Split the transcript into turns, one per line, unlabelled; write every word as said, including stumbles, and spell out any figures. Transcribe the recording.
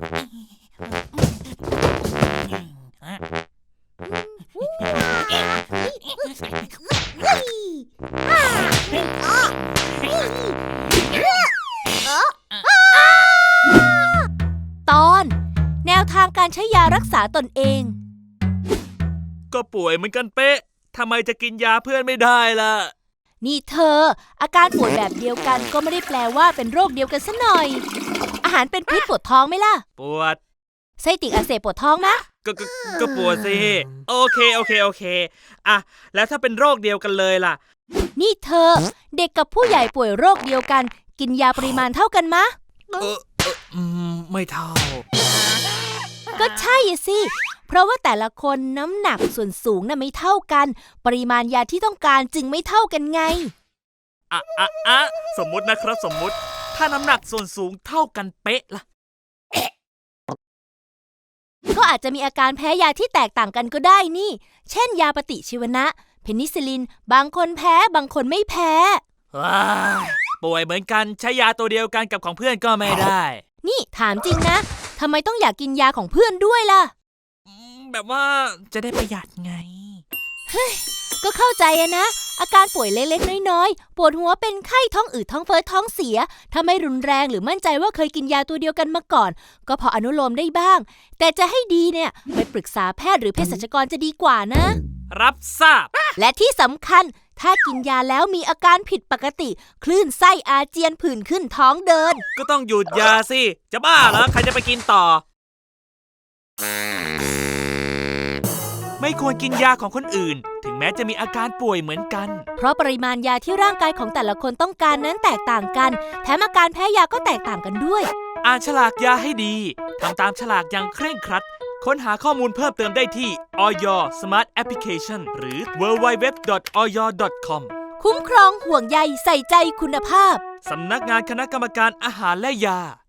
ตอนแนวทางการใช้ยารักษาตนเอง
ก็ป่วยเหมือนกันเป๊ะทำไมจะกินยาเพื่อนไม่ได้ล่ะ
นี่เธออาการป่วยแบบเดียวกันก็ไม่ได้แปลว่าเป็นโรคเดียวกันซะหน่อยอาหารเป็นพิษปวดท้องไหมล่ะ
ปวด
ไส้ติ่งอักเสบปวดท้องไหม
ก็ก็ก็ปวดสิโอเคโอเคโอเคอ่ะแล้วถ้าเป็นโรคเดียวกันเลยล่ะ
นี่เธอเด็กกับผู้ใหญ่ป่วยโรคเดียวกันกินยาปริมาณเท่ากันมะ
เออเอออืมไม่เท่า
ก็ใช่สิเพราะว่าแต่ละคนน้ำหนักส่วนสูงน่ะไม่เท่ากันปริมาณยาที่ต้องการจึงไม่เท่ากันไง
อ่ะอ่ะอ่ะสมมุตินะครับสมมุติถ้าน้ำหนักส่วนสูงเท่ากันเป๊ะล่ะ
ก็อาจจะมีอาการแพ้ยาที่แตกต่างกันก็ได้นี่เช่นยาปฏิชีวนะเพนิซิลลินบางคนแพ้บางคนไม่แพ้
ว้าป่วยเหมือนกันใช้ยาตัวเดียวกันกับของเพื่อนก็ไม่ได้
นี่ถามจริงนะทำไมต้องอยากกินยาของเพื่อนด้วยล่ะ
แบบว่าจะได้ประหยัดไง
เฮ้ยก็เข้าใจอะนะอาการป่วยเล็กๆน้อยๆปวดหัวเป็นไข้ท้องอืดท้องเฟ้อท้องเสียถ้าไม่รุนแรงหรือมั่นใจว่าเคยกินยาตัวเดียวกันมาก่อนก็พออนุโลมได้บ้างแต่จะให้ดีเนี่ยไปปรึกษาแพทย์หรือเภสัชกรจะดีกว่านะ
รับทราบ
และที่สำคัญถ้ากินยาแล้วมีอาการผิดปกติคลื่นไส้อาเจียนผื่นขึ้นท้องเดิน
ก็ต้องหยุดยาสิจะบ้าเหรอใครจะไปกินต่อไม่ควรกินยาของคนอื่นถึงแม้จะมีอาการป่วยเหมือนกัน
เพราะปริมาณยาที่ร่างกายของแต่ละคนต้องการนั้นแตกต่างกันแถมอาการแพ้ยาก็แตกต่างกันด้วย
อ่านฉลากยาให้ดีทำตามฉลากอย่างเคร่งครัดค้นหาข้อมูลเพิ่มเติมได้ที่ อย Smart Application หรือ ดับเบิลยู ดับเบิลยู ดับเบิลยู ดอท ออย ดอท คอม
คุ้มครองห่วงใยใส่ใจคุณภาพ
สำนักงานคณะกรรมการอาหารและยา